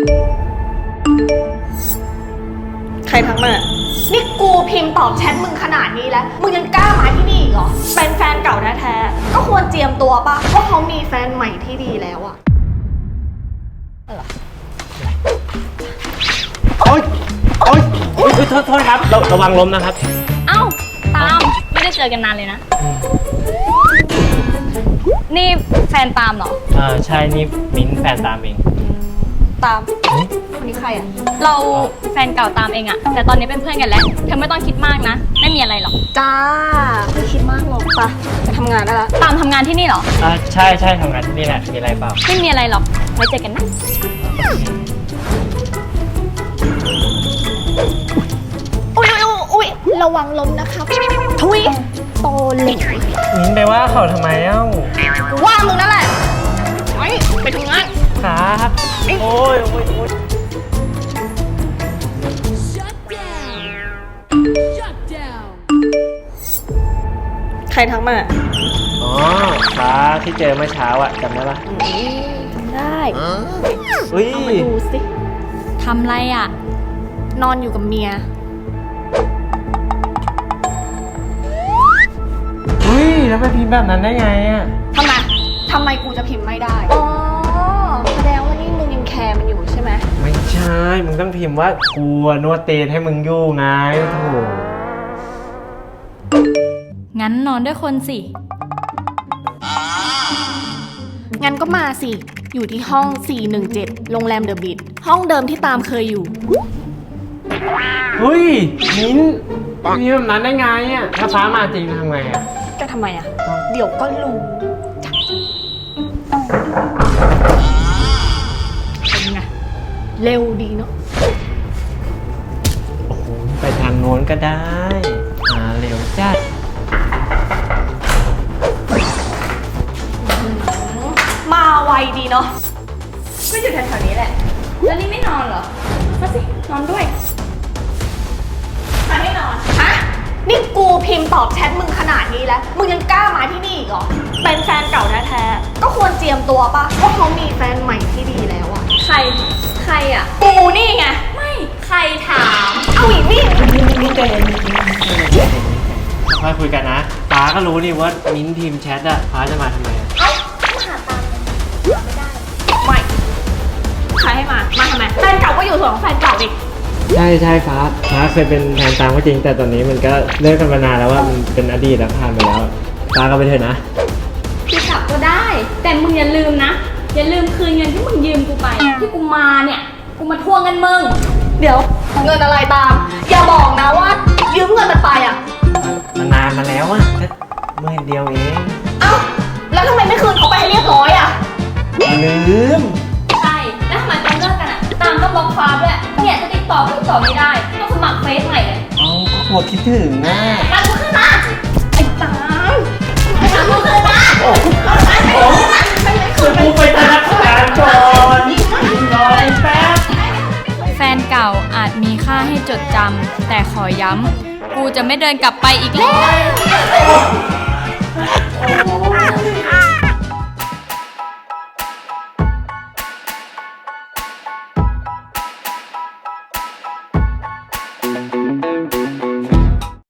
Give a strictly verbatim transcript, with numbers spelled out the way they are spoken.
ใครทักมานี่กูพิมพ์ตอบแชทมึงขนาดนี้แล้วมึงยังกล้ามาที่นี่อีกเหรอเป็นแฟนเก่าแท้ๆก็ควรเจียมตัวปะว่าเขามีแฟนใหม่ที่ดีแล้วอะโอ๊ยโอ๊ยโอ๊ยโทษโทษครับระระวังล้มนะครับเอ้าตามไม่ได้เจอกันนานเลยนะนี่แฟนตามเหรออ่าใช่นี่มิ้นแฟนตามเองตามคนนี้ใครอะเราแฟนเก่าตามเองอะแต่ตอนนี้เป็นเพื่อนกันแล้วเธอไม่ต้องคิดมากนะไม่มีอะไรหรอกจ้าไม่คิดมากหรอกปะไปทำงานได้ละตามทำงานที่นี่เหรออ่าใช่ใช่ทำงานที่นี่แหละมีอะไรเปล่าไม่มีอะไรหรอกไว้เจอกันนะอุ้ยอุ้ยอุ้ยระวังล้มนะครับทุยโตเหล็กมิ้นไปว่าเขาทำไมเอ้าว่ามึงนั่นแหละไปไปทำงานครับโอ้ยโอ้ยโอ้ยใครทักมาอ๋อฟ้าที่เจอเมื่อเช้าอะจำได้ปะได้อุ้ยเอามาดูสิทำไรอะนอนอยู่กับเมียอุ้ยแล้วไปพิมพ์แบบนั้นได้ไงอะทำไมทำไมกูจะพิมพ์ไม่ได้อ๋อแสดงว่านี่มึงยังแคร์มันอยู่ใช่ไหมไม่ใช่มึงต้องพิมพ์ว่ากูนวดเตนให้มึงอยู่ไงโถงั้นนอนด้วยคนสิงั้นก็มาสิอยู่ที่ห้องสี่หนึ่งเจ็ดโรงแรมเดอะบิทห้องเดิมที่ตามเคยอยู่เฮ้ยมิ้นมีแบบนั้นได้ไงอ่ะถ้าฟ้ามาจริงทำไงอ่ะจะทำไมอ่ะเดี๋ยวก็รู้เป็นไงเร็วดีเนาะโอ้โหไปทางโน้นก็ได้มาเร็วจัดมาไวดีเนาะก็อยู่แถวๆนี้แหละแล้วนี่ไม่นอนเหรอมาสินอนด้วยมาให้นอนฮะนี่กูพิมพ์ตอบแชทมึงขนาดนี้แล้วมึงยังกล้ามาที่นี่อีกเหรอเป็นแฟนเก่าแท้ๆก็ควรเจียมตัวปะว่าเขามีแฟนใหม่ที่ดีแล้วอะใครใครอะกูนี่ไงไม่ใครถามเอาอีกนี่มิ้นใจเย็นค่อยคุยกันนะฟ้าก็รู้นี่ว่ามิ้นพิมพ์แชทอะฟ้าจะมาทำไมอะเอ้ามาหาตามมาไม่ได้ไม่ใครให้มามาทำไมแฟนเก่าก็อยู่ส่วนของแฟนเก่าอีกใช่ใช่ฟ้าฟ้าเคยเป็นแฟนตามก็จริงแต่ตอนนี้มันก็เลิกกันมานานแล้วว่ามันเป็นอดีตแล้วผ่านไปแล้วฟ้าก็ไปเถอะนะพี่กลับก็ได้แต่มึงอย่าลืมนะอย่าลืมคืนเงินที่มึงยืมกูไปที่กูมาเนี่ยกูมาทวงเงินมึงเดี๋ยวเงินอะไรตามอย่าบอกนะว่ายืมเงินมันไปอ่ะมันนานมาแล้วอะแค่เมื่อเดียวเองเอ้าแล้วทำไมไม่คืนเขาไปให้เรียบร้อยอ่ะลืมใช่แล้วทำไมตอนเลิกกันอ่ะตามก็บล็อกฟ้าด้วยเนี่ยจะติดต่อก็ติดต่อไม่ได้ต้องสมัครเฟซใหม่เลยอ๋อปวดคิดถึงนะตามกูขึ้นมาไอ้ตามตามกูขึ้นมาโอ้โหจะพูดไปธนาคารก่อนรอแป๊บแฟนเก่าอาจมีค่าให้จดจำแต่ขอย้ำกูจะไม่เดินกลับไปอีกแล้ว